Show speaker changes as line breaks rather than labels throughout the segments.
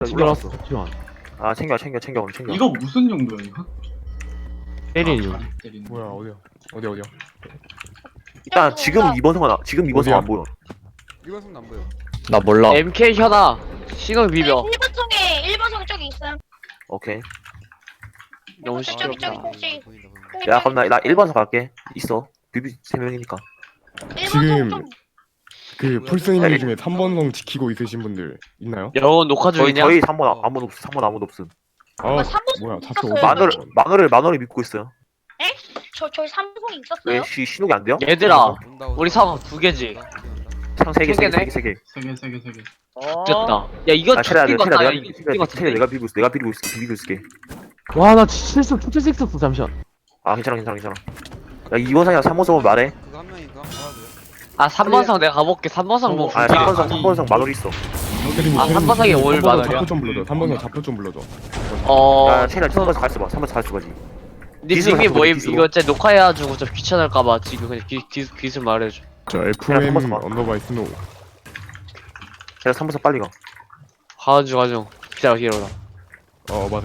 올라왔어.
챙겨놨어. 잠시만.
아 챙겨 오늘 챙겨.
이거 무슨 용도야 이거?
때리는 중.
다리 때리는 거.
뭐야 어디야
일단 지금 2번 성 안 보여.
일반성 안 보여.
나 몰라.
MK 현아 신호 비벼.
1번송에 저기 있어요.
오케이.
너무
저기,
시끄럽다.
저기.
야 그럼 나 1번 성 갈게. 있어. 비비 3명이니까.
지금 그 풀스님 중에 3번성 지키고 있으신 분들 있나요?
여러분 녹화 중이냐?
저희 3번 아무도 없어. 3번 아무도 없음.
아
3번송
뭐야 잡혀
있었어요.
마늘을 믿고 있어요.
저희 3번송이 있었어요.
왜 신호기 안 돼요?
얘들아 우리 사과 2개지.
상 3개
세 개네?
3개.
세 개.
됐다. 야 이거
아 체리야
죽긴 같다. 야 이거 죽긴
체리야
같은데.
내가 비비고 있을게.
와, 나 실수, 투트 있었어, 잠시만.
아 괜찮아. 야 2번 성이랑 3번 성은 말해.
그거 한 명인가? 알아줘요.
아 3번성 내가 가볼게. 3번성 뭐
아 3번 성 마늘 있어.
아, 3번성이 올 마늘이야?
잡표 좀 불러줘 3번성 잡표 좀 불러줘.
야 체리야 3번 성 갈수 봐. 3번 성 갈수 봐지.
니
기술
닉이 뭐임?
기술.
이거 진짜 녹화해가지고 좀 귀찮을까봐 지금 그냥 기술 말해줘.
저
그냥
FM
3번 성
언더바이 스노우.
체리야 3번 성 빨리 가.
가중 기다려.
맞아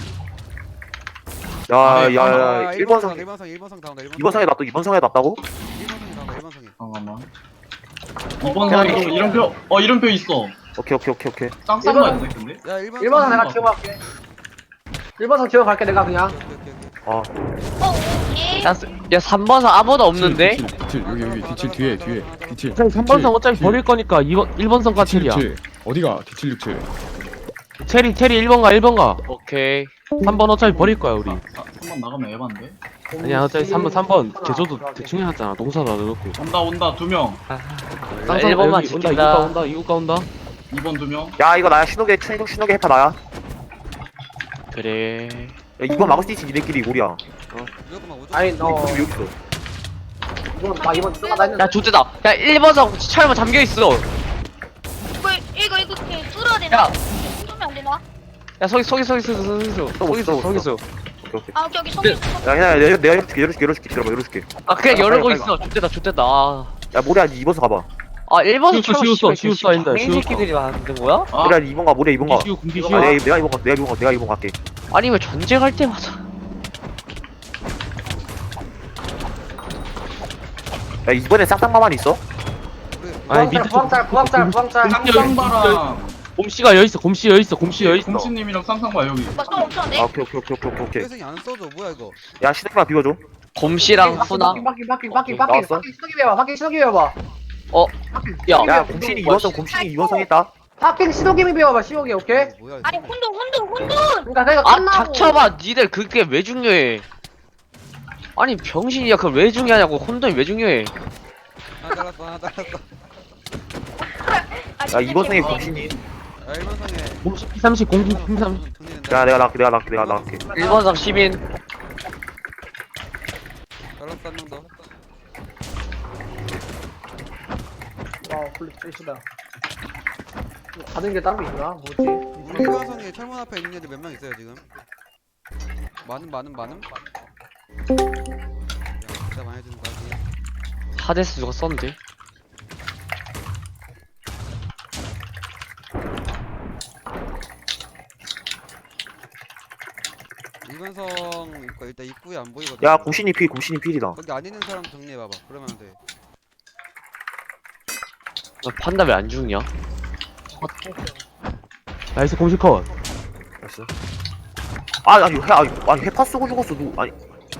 야야야 1번 성
1번성 다운다.
2번 성에 놨다. 2번 성에 놨다고?
1번성이 다운다. 1번성이.
잠깐만. 2번 성 이름표 있어.
오케이.
쌍쌍거였네 근데.
야 1번성.
1번선 내가 기억할게. 1번선 기억할게 내가 그냥.
아
예.
야 3번성 아무도 없는데?
뒤칠 여기 뒤칠 뒤에 뒤칠.
3번성 어차피 버릴 거니까 1번성 가 체리야.
어디가 뒤칠 67.
체리 1번 가.
오케이.
3번 어차피 버릴 거야, 우리.
3번 나가면 에반데.
아니야, 어차피 3번. 개조도 대충 해놨잖아. 동사도 안 해놓고.
온다 2명.
쌍쌍
1번만
여기
지킨다.
이국가 온다.
2번 2명.
야 이거 나야 신호기 해파 나야.
그래.
야 2번 막을 수 있지 니네끼리 우리야.
무조건 오죠.
아니 너
여기 있어.
이번 2번 나 했는데.
야 좋대다. 야 1번성 차에만 잠겨있어.
이거 이렇게 뚫어야 되나?
야.
뚫으면 안 되나?
야 서기 있어.
오케이.
아 저기 손이
야 내가 열어줄게. 들어봐.
아 그냥
빨리,
열고
빨리,
있어. 좋대다. 아.
야 모리야 2번 성 가봐.
아 1번은
쉬웠어, 아닌데,
이 새끼들이 만든 거야?
아,
모리야 2번 가. 모리야 2번 가.
공기
아,
쉬워.
내가 2번 갈게.
아니 왜 전쟁할 때마다
야 이번에 쌍쌍마만 있어?
아니, 밑에
부항짤.
쌍쌍바랑
곰씨가 여있어. 곰씨 여있어.
공치님이랑 쌍쌍바 여기.
막좀 엄청한데?
아 오케이.
회생이 안 써줘. 뭐야 이거?
야 신호기만 비워줘.
곰씨랑 후나
나왔어?
신호기 배워봐.
야
야 곰신이 2번 성 했다.
파킹 신호기 배워봐. 신호기 오케이?
뭐야?
아니 혼돈.
그러니까 내가
아
끝나고.
닥쳐봐. 니들 그게 왜 중요해? 아니 병신이야. 그걸 왜 중요하냐고. 혼돈이 왜 중요해?
하나 잘랐어.
야 2번 성에 곰신이.
야 1번성에.
곰씨 P30 공기 P30.
야 내가 나갈게.
1번성 시민.
잘랐어 한 명 더.
와 홀리 쎄시다. 받은 게 따로 있나? 뭐지?
우리 1번성에 철문 앞에 있는 애들 몇 명 있어요 지금? 많음. 진짜 많이 해주는 거 같지?
하데스 누가 썼는데?
일반성 있고 일단 입구에 안 보이거든.
야 곰신이 필이다.
거기 안 있는 사람 정리해봐봐. 그러면 돼.
너 판다 왜 안 죽냐?
나이스 곰씨 컷.
알았어. 아니 해파 쓰고 죽었어 누. 아니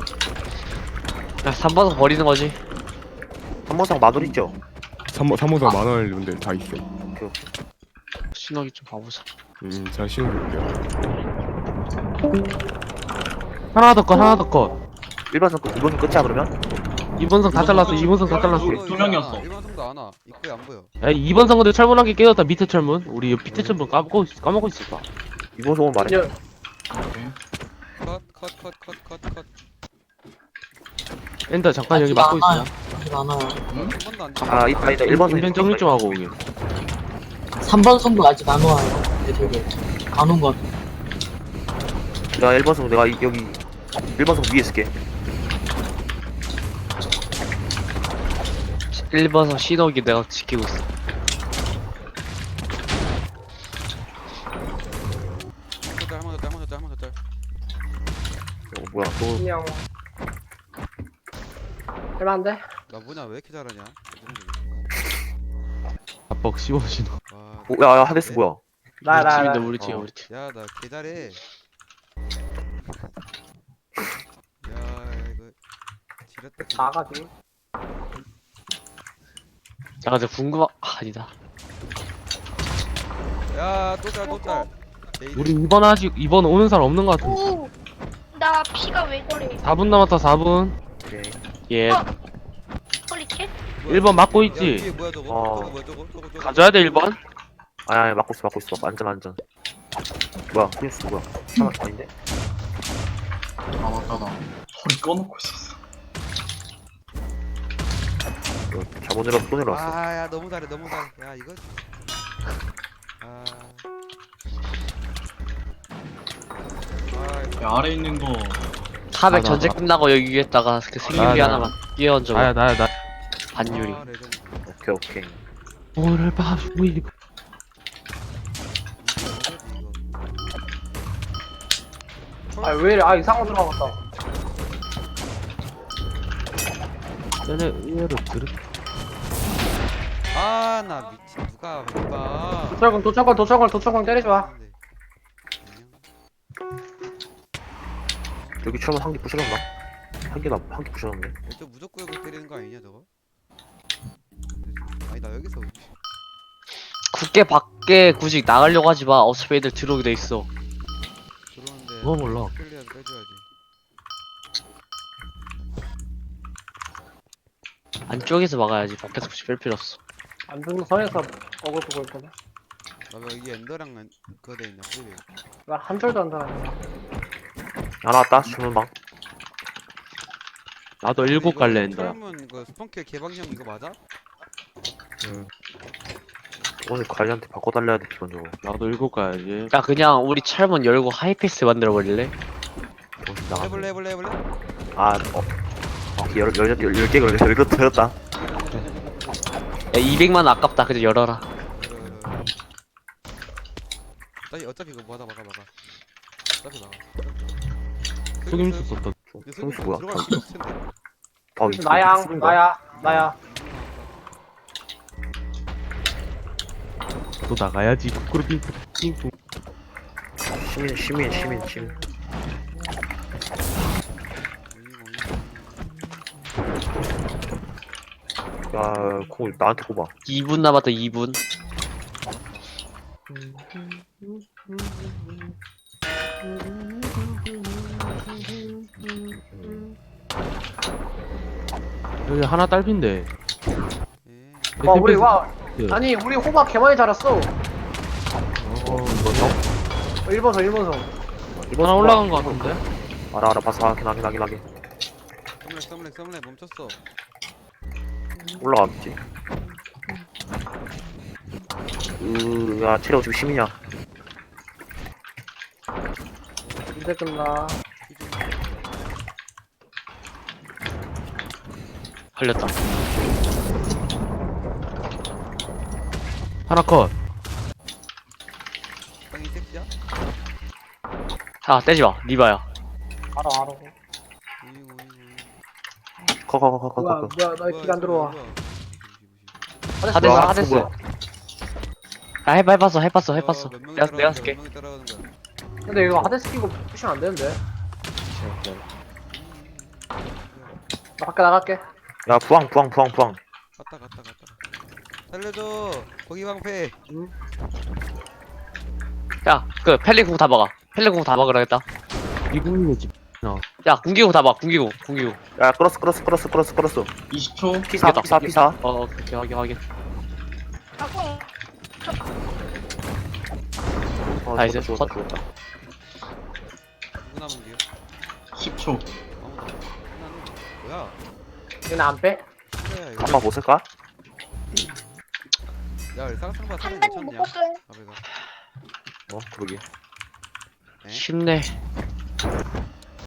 야 3번성 버리는 거지.
3번 성 마늘 있죠?
3번성 만원 분들 다 있어.
신호기 좀 봐보자.
잘 신어볼게요.
하나 더 컷.
1번 성 끝. 2번 성 끝이야 그러면?
2번성 다 잘랐어. 2번성 다 잘랐어.
두 명이었어.
1번성도 안 와. 입구에 안 보여.
야, 2번성 근데 철문 한 개 깨졌다. 밑에 철문. 우리 밑에 철문 까먹고 있었다.
2번 성은 말해.
컷.
엔더 잠깐 여기 막고 있어.
한 번도 안 돼.
아 있다 1번 성.
인벤 정리 좀 하고 오게.
3번 선도 아직 안 와요. 되게 안 온 것 같아.
야 1번 성 내가 여기 1번 성 위에 있을게.
1번성 신호기 내가 지키고 있어.
한번더짤
뭐야 또
그냥 할만한데?
나 뭐냐 왜 이렇게 잘하냐
압박 씌워주노.
와,
야야 하데스 뭐야
나
팀인데 우리 팀
어.
우리 팀.
야 나 개 잘해 야 이거 지렸다
나가지.
야 근데 아니다.
야또짤
우리 이번 오는 사람 없는 것 같은데.
오. 나 피가 왜 저래?
4분 남았다 4분.
오케이
예.
어. 홀리킬?
1번 막고
야,
있지.
위에 뭐야 저거?
어.
저거 뭐야 저거?
가져야 돼 1번.
아니 막고 있어 안전 뭐야 프린스 뭐야 하나 아닌데
아 맞다 나 소리 꺼놓고 있었어.
이거 잘못 내려서 또 내려왔어
아야 너무 잘해 야 이거 아
야 아래 있는 거
400
나.
전체 끝나고 여기 위에다가 그 생유리
나.
하나만 끼얹어.
나야 나.
반유리.
아, 레전드.
오케이
오늘 밤 우리
이거
아 왜 이래? 아 이상한 거 들어갔다.
전에 의외로 들은.
아나 미친 누가
도철권 때리지 마.
여기 처음 한개 부셔졌나? 한개 부셔졌네
저 무조건 이거 때리는 거 아니냐 저거? 아니 나 여기서
국계 밖에 굳이 나가려고 하지 마. 어차피 애들 들어오게 돼 있어.
들어오는데
그거 몰라.
끌려야 빼줘야지.
안쪽에서 막아야지. 밖에서 굳이 뺄 필요 없어.
안 죽는 선에서 어글 보고 있거든.
나왜 이게 엔더랑 그거 돼 있냐 프리베.
나한 줄도 안 달았네.
하나 왔다 주문방
나도 7 갈래 했다.
철문 그 스펀킬 개방형 이거 맞아?
오늘 관리한테 바꿔달라야 돼 기본적으로
나도 7 가야지.
야 그냥 우리 철문 열고 하이패스 만들어 버릴래?
정신 나가
해볼래?
열개 열렸다
야 200만 아깝다. 그냥 열어라.
어차피 이거 막아. 어차피 막아.
속임수 썼다.
속임수 뭐야?
들어갈 필요 없을 텐데.
나야.
또 나가야지. 거꾸로 빙.
시민 야 콩을 나한테 꼽아
2분 남았다. 2분.
여기 하나 딸핀데.
예.
와 우리 와.
예.
아니 우리 호박 개 많이 자랐어.
이거
1번서.
하나 올라간 거 같은데?
알아 봤어 확인
썸렉 멈췄어.
올라갔지 야 체력 지금 시민이야
이제 끝나.
걸렸다.
하나 컷.
땅이 섹시야?
자 떼지 마. 리바야.
알아.
커
뭐야 나 안 들어와.
하데스.
뭐야?
야 해봤어. 내가 쓸게.
근데 이거 하데스 끼고 푸시면 안 되는데. 나 밖에 나갈게.
야 부항
갔다. 살려줘. 거기 방패.
야 그 펠리공 다 막아. 펠리공 다 막으라겠다.
미국이지.
야 군기공 다 막. 군기공.
야 끌었어
20초.
피사
오케이 확인.
아고.
나이스.
죽었다
누구 남은 게요?
10초.
뭐야?
얘는 안 빼?
그래 이거.
한번 못 쓸까?
야 쌍쌍바 사진
한 단이
미쳤냐?
묶었어요.
아베가.
그러게
쉽네.